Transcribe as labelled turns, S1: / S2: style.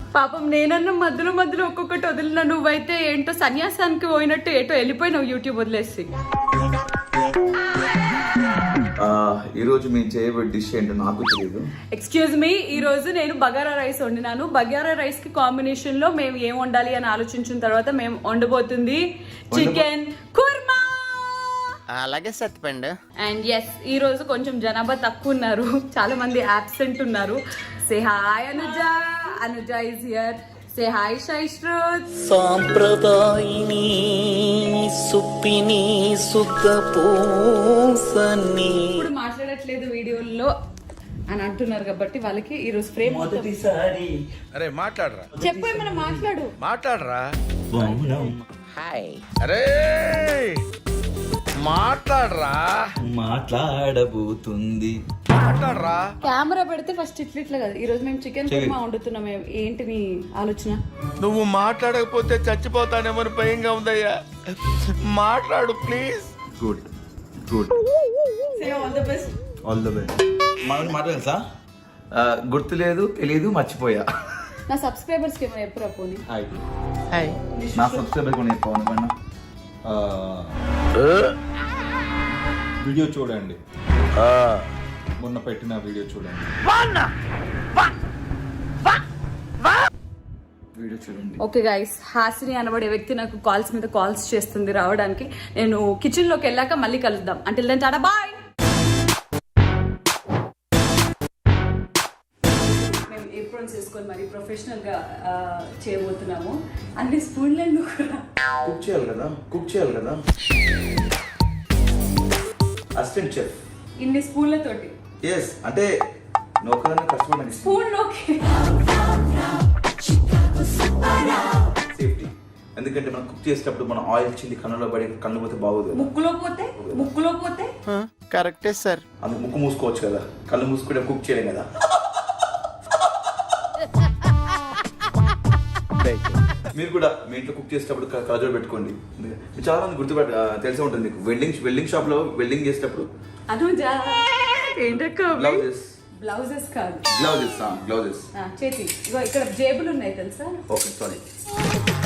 S1: పాపం నేనన్న మధ్యలో మధ్యలో ఒక్కొక్కటి వదిలిన, నువ్వైతే ఏంటో సన్యాసానికి పోయినట్టు ఏటో వెళ్ళిపోయినావు యూట్యూబ్ వదిలేసి.
S2: ఈ రోజు మేము చేయబోయే డిష్ ఏంటో నాకు తెలియదు.
S1: ఎక్స్క్యూజ్ మీ, ఈ రోజు నేను బగారా రైస్ వండినాను. బగారా రైస్ కి కాంబినేషన్ లో మేము ఏం వండాలి అని ఆలోచించిన తర్వాత మేము వండబోతుంది చికెన్ కుర్మా.
S3: అలాగే సత్తిపండు.
S1: అండ్ ఎస్, ఈ రోజు కొంచెం జనాభా తక్కువ ఉన్నారు, చాలా మంది అబ్సెంట్ ఉన్నారు. Say hi Anuja. Anuja is here. Say hi Shaishruth.
S4: సాంప్రదాయిని సుప్పిని సుద్ధ పూసని
S1: ఇప్పుడు మాట్లాడట్లేదు వీడియోల్లో అని అంటున్నారు కాబట్టి వాళ్ళకి ఈ రోజు ఫ్రేమ్
S4: మొదటిసారి.
S5: అరే మాట్లాడరా,
S1: చెప్పు, ఏమైనా
S5: మాట్లాడరా.
S4: హాయ్.
S5: అరే మాట్లాడరా,
S4: మాట్లాడబోతుంది.
S5: మాట్లాడరా.
S1: కెమెరా పెడితే ఫస్ట్ ఇట్లా కదా. ఈ రోజు మేము చికెన్ కుర్మా వండుతున్నాం. ఏంటి నీ ఆలోచన?
S5: నువ్వు మాట్లాడకపోతే చచ్చిపోతానేమో భయంగా ఉందయ్యా. మాట్లాడు please.
S2: Good good,
S1: all the best.
S2: All the best.
S4: మాట్లాడతా
S2: గుర్తులేదు, తెలీదు, మర్చిపోయా.
S1: నా సబ్స్క్రైబర్స్ కి ఏమైనా ఎప్పుడు పోనీ.
S2: హాయ్.
S3: హాయ్.
S2: నా సబ్స్క్రైబర్ కొని పవన్ పైన
S6: వీడియో చూడండి, మొన్న పెట్టిన వీడియో చూడండి.
S2: వీడియో చూడండి.
S1: ఓకే గైస్, హాసిని అనబడే వ్యక్తి నాకు కాల్స్ మీద కాల్స్ చేస్తుంది రావడానికి. నేను కిచెన్ లోకి వెళ్ళాక మళ్ళీ కలుద్దాం. అంటే దెన్ టాటా బాయ్. మేము ఏప్రాన్స్ వేసుకొని మరి ప్రొఫెషనల్ గా చేయబోతున్నాము. అన్ని స్పూన్లను
S2: కుక్ చేయాలి కదా. Assistant chef.
S1: ఇన్ని స్పూన్లతోటి
S2: ఎస్, అంటే నౌకరన్నా కష్టపడి
S1: స్పూన్ లోకి
S2: సేఫ్టీ. ఎందుకంటే మనం కుక్ చేసేటప్పుడు మన ఆయిల్ చింది కన్నులో పడి కన్ను పోతే బాగోదు.
S1: ముక్కులో పోతే
S3: కరెక్టే సార్.
S2: అందుకు ముక్కు మూసుకోవచ్చు కదా, కళ్ళు మూసుకుంటే కుక్ చేయలేం కదా. మీరు కూడా మీ ఇంట్లో కుక్ చేసేటప్పుడు కలజోడు పెట్టుకోండి. మీరు చాలా మంది తెలిసే ఉంటుంది మీకు. వెల్డింగ్ షాప్ లో వెల్డింగ్ చేసేటప్పుడు
S1: బ్లౌజెస్ కాదు,
S2: గ్లౌజెస్
S1: చేతి ఇక్కడ జేబులు ఉన్నాయి తెలుసా.
S2: Okay sorry.